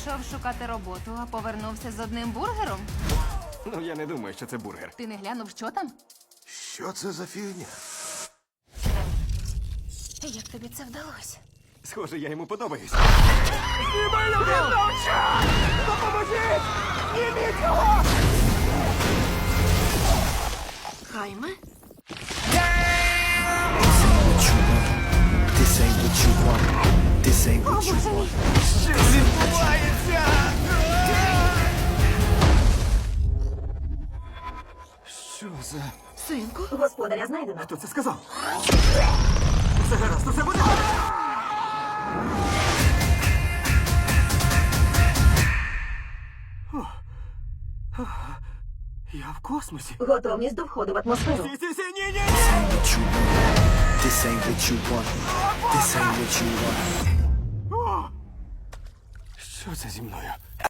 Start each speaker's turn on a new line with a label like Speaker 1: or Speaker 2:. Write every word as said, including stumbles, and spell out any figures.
Speaker 1: Пішов шукати роботу, а повернувся з одним бургером.
Speaker 2: Ну, я не думаю, що це бургер.
Speaker 1: Ти не глянув, що там?
Speaker 3: Що це за фігня?
Speaker 1: Як тобі це вдалося?
Speaker 2: Схоже, я йому подобаюсь.
Speaker 1: Хайме?
Speaker 4: This ain't what you want. This ain't what you want.
Speaker 2: Що відбувається? Що за...
Speaker 1: Синку?
Speaker 5: Господаря знайдено.
Speaker 2: Хто це сказав? Все гаразд, усе буде. О. О. Я в космосі.
Speaker 5: Готовність до входу в атмосферу.
Speaker 2: Сі, сі, сі, ні, ні, ні!
Speaker 4: What you want. This ain't what you want. This ain't what you want.
Speaker 2: О! Що це зі мною?